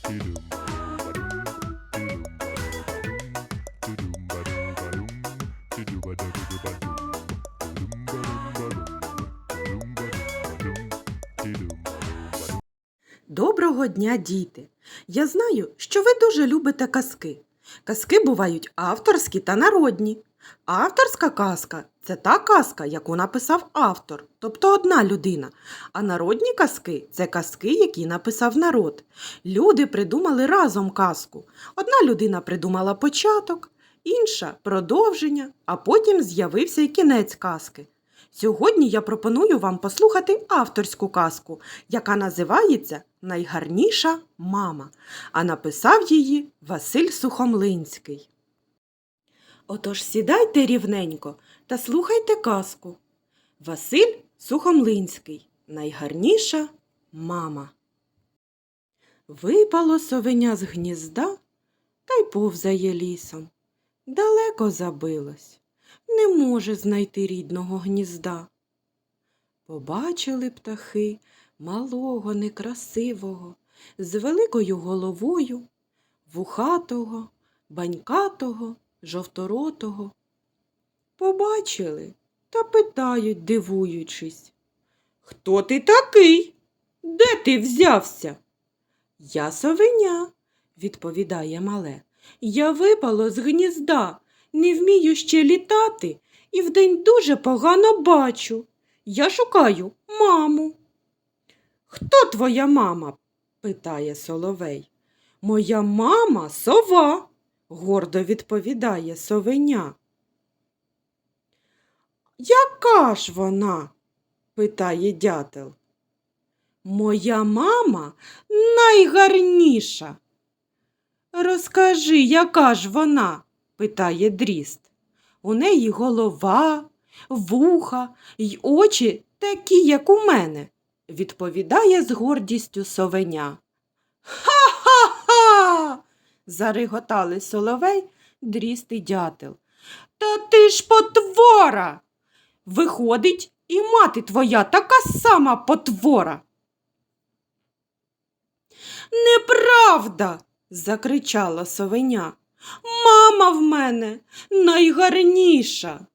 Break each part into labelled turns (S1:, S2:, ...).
S1: Доброго дня, діти! Я знаю, що ви дуже любите казки. Казки бувають авторські та народні. Авторська казка – це та казка, яку написав автор, тобто одна людина. А народні казки – це казки, які написав народ. Люди придумали разом казку. Одна людина придумала початок, інша – продовження, а потім з'явився і кінець казки. Сьогодні я пропоную вам послухати авторську казку, яка називається «Найгарніша мама», а написав її Василь Сухомлинський. Отож сідайте рівненько та слухайте казку. Василь Сухомлинський. Найгарніша мама. Випало совеня з гнізда та й повзає лісом. Далеко забилось. Не може знайти рідного гнізда. Побачили птахи малого, некрасивого, з великою головою, вухатого, банькатого, жовторотого. Побачили та питають, дивуючись: «Хто ти такий? Де ти взявся?» «Я совеня», – відповідає мале. «Я випало з гнізда. Не вмію ще літати і вдень дуже погано бачу. Я шукаю маму». «Хто твоя мама?» – питає соловей. «Моя мама – сова», – гордо відповідає совеня. «Яка ж вона?» – питає дятел. «Моя мама найгарніша». «Розкажи, яка ж вона?» – питає дріст. «У неї голова, вуха й очі такі, як у мене», – відповідає з гордістю совеня. «Ха-ха-ха!» – зареготали соловей, дріст і дятел. «Та ти ж потвора! Виходить, і мати твоя така сама потвора!» «Неправда!» – закричала совеня. «Мама в мене найгарніша!»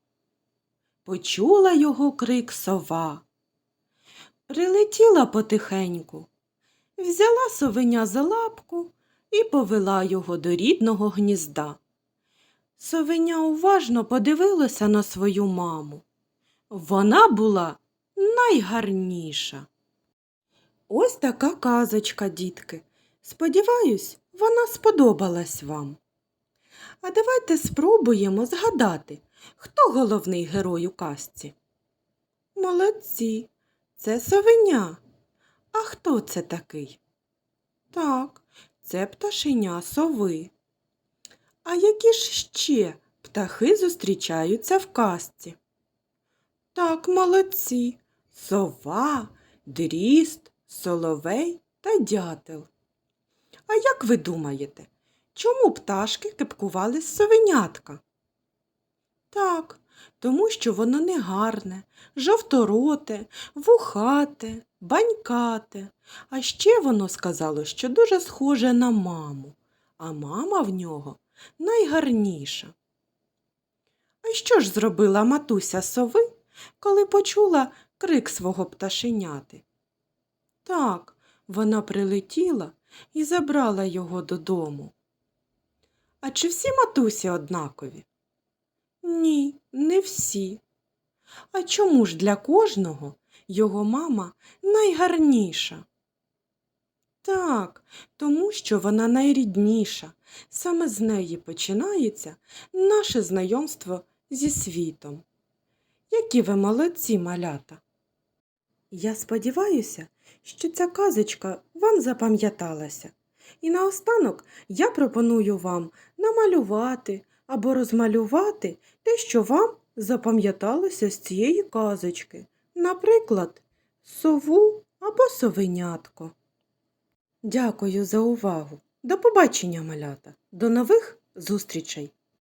S1: Почула його крик сова. Прилетіла потихеньку, взяла совеня за лапку і повела його до рідного гнізда. Совеня уважно подивилася на свою маму. Вона була найгарніша. Ось така казочка, дітки. Сподіваюсь, вона сподобалась вам. А давайте спробуємо згадати, хто головний герой у казці. Молодці, це совеня. А хто це такий? Так, це пташеня сови. А які ж ще птахи зустрічаються в казці? Так, молодці, сова, дріст, соловей та дятел. А як ви думаєте, чому пташки кепкували з совенятка? Так, тому що воно негарне, жовтороте, вухате, банькате. А ще воно сказало, що дуже схоже на маму, а мама в нього найгарніша. А що ж зробила матуся сови, коли почула крик свого пташеняти? Так, вона прилетіла і забрала його додому. А чи всі матусі однакові? Ні, не всі. А чому ж для кожного його мама найгарніша? Так, тому що вона найрідніша. Саме з неї починається наше знайомство зі світом. Які ви молодці, малята! Я сподіваюся, що ця казочка вам запам'яталася. І наостанок я пропоную вам намалювати або розмалювати те, що вам запам'яталося з цієї казочки. Наприклад, сову або совенятко. Дякую за увагу. До побачення, малята. До нових зустрічей!